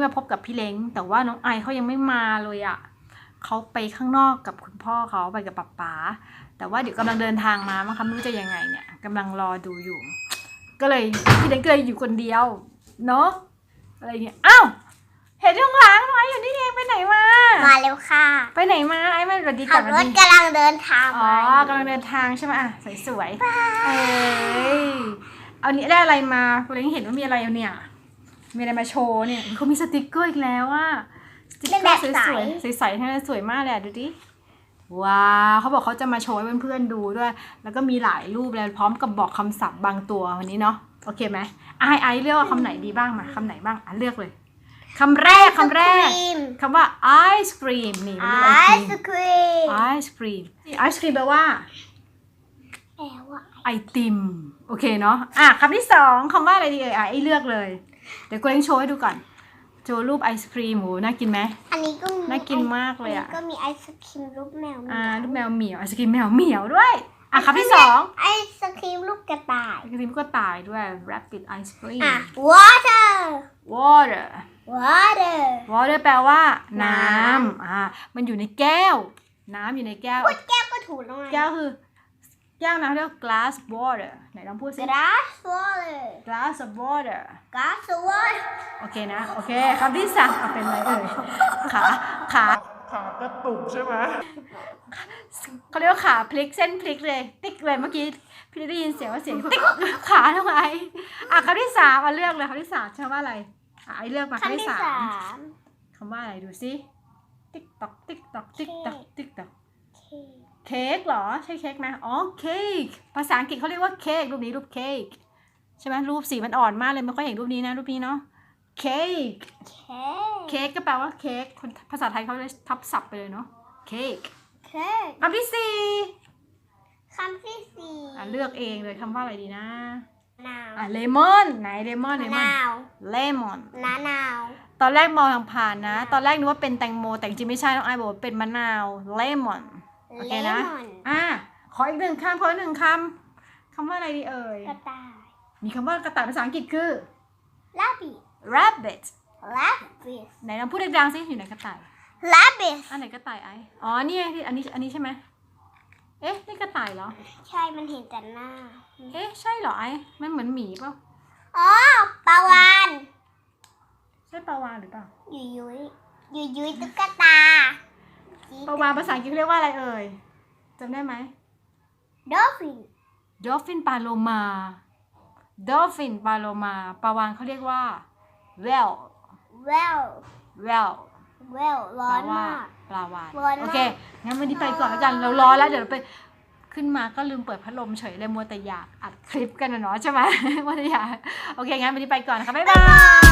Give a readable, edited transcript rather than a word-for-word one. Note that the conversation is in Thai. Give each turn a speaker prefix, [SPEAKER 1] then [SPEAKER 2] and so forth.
[SPEAKER 1] มาพบกับพี่เล้งแต่ว่าน้องไอเขายังไม่มาเลยอ่ะเขาไปข้างนอกกับคุณพ่อเขาไปกับป๊าแต่ว่าเดี๋ยวกำลังเดินทางมามั้งคะไม่รู้จะยังไงเนี่ยกำลังรอดูอยู่ก็เลยพี่เล้งก็เลยอยู่คนเดียวเนาะอะไรเนี่ยอ้าวเห็นข้างหลังน้องไออยู่นี่เองไปไหนมา
[SPEAKER 2] เร็วค่ะ
[SPEAKER 1] ไปไหนมาไอมาสวัสดีก่
[SPEAKER 2] ขั
[SPEAKER 1] อบ น
[SPEAKER 2] รถกำลังเดินทาง
[SPEAKER 1] อ๋อกำลังเดินทางใช่ไหมอ่ะสวยๆเอานี้ได้อะไรมาคุณเล้งเห็นว่ามีอะไรเนี่ยมีอะไรมาโชว์เนี่ยเขามีสติกเกอร์อีกแล้วอ่ะสติกเกอร์สวยๆใสๆทั้งนั้นสวยมากเลยดูดิว้าวเขาบอกเขาจะมาโชว์ให้เพื่อนๆดูด้วยแล้วก็มีหลายรูปเลยพร้อมกับบอกคำศัพท์บางตัววันนี้เนาะโอเคไหมไอเลือกว่าคำไหนดีบ้างมาคำไหนบ้างเลือกเลยคำแรกคำว่าไอศครีมนี่ไอศครีมแปลว่าไอติมโอเคเนาะคำที่สองคำว่าอะไรดีไอเลือกเลยเดี๋ยวกูเล้งโชว์ให้ดูก่อนโชว์รูปไอศครีมโหน่ากินไหม
[SPEAKER 2] อันนี้ก็
[SPEAKER 1] น่ากินมากเลย
[SPEAKER 2] ก็มีไอศครีมรูปแมว
[SPEAKER 1] รูปแมวเหมียวไอศครีมแมวเหมียวด้วยคำที่สอง
[SPEAKER 2] ไอศครีมรูปกระต่าย
[SPEAKER 1] ไอศครีมก็ตายด้วย rabbit ice cream
[SPEAKER 2] water
[SPEAKER 1] แปลว่าน้ำมันอยู่ในแก้วน้ำอยู่ในแก้ว
[SPEAKER 2] แก้วก็ถูกแล้วไง
[SPEAKER 1] แก้วคือแก้วน้ำเรียก glass water ไหนลองพูดสิ glass of water โอเคนะโอเคคำที่สามเป็นอะไรขากระตุกใช่ไหมเขาเรียกว่าขาพลิกเส้นพลิกเลยติ๊กเลยเมื่อกี้พี่ได้ยินเสียงว่าเสียงติ๊กขาทำไมคำที่สามเลือกเลยคำที่สามใช่ว่าอะไรไอเลือกมาคำที่สามคำว่าอะไรดูสิติ๊กตอกติ๊กตอกติ๊กตอกติ๊กตอกเค้กเหรอใช่เค้กไหมเค้กภาษาอังกฤษเขาเรียกว่าเค้กรูปนี้รูปเค้กใช่ไหมรูปสีมันอ่อนมากเลยไม่ค่อยเห็นรูปนี้นะรูปนี้เนาะเค้กก็แปลว่าเค้กคนภาษาไทยเขาเลยทับศัพท์ไปเลยเนาะเค้กคำที่สี่เลือกเองเลยคำว่าอะไรดีนะเลมอนไหนเลมอนตอนแรกมองผ่านนะตอนแรกนึกว่าเป็นแตงโมแต่จริงไม่ใช่น้องไอบอกว่าเป็นมะนาวเลมอนโอเคนะขออีกหนึ่งคำขออีกหนึ่งคำว่าอะไรดีเอ่ย
[SPEAKER 2] กระต่าย
[SPEAKER 1] มีคำว่ากระต่ายภาษาอังกฤษคือ
[SPEAKER 2] rabbit
[SPEAKER 1] ไหนลองพูดดังๆสิอยู่ไหนกระต่าย
[SPEAKER 2] rabbit
[SPEAKER 1] อันไหนกระต่ายไอนี่อันนี้ใช่ไหมนี่กระต่ายเหรอ
[SPEAKER 2] ใช่มันเห็นแต่หน้า
[SPEAKER 1] ใช่เหรอไอมันเหมือนหมีเปล่า
[SPEAKER 2] ปลาวาฬ
[SPEAKER 1] ใช่ปลาวาฬหรือเปล่า
[SPEAKER 2] ยุยตุ๊กตา
[SPEAKER 1] ปลาวาฬภาษาอังกฤษเรียกว่าอะไรเอ่ยจำได้ไหม dolphin ปลาโลมา ปลาวาฬเขาเรียกว่า whale
[SPEAKER 2] ร้อนมาก
[SPEAKER 1] ปลาวาฬโอเคงั้นวันนี้ไปก่อนแล้วกันเราร้อนแล้วเดี๋ยวเราไปขึ้นมาก็ลืมเปิดพัดลมเฉยเลยมัวแต่อยากอัดคลิปกันนะเนาะใช่ไหมมัวแต่อยากโอเคงั้นวันนี้ไปก่อนนะคะบ๊ายบาย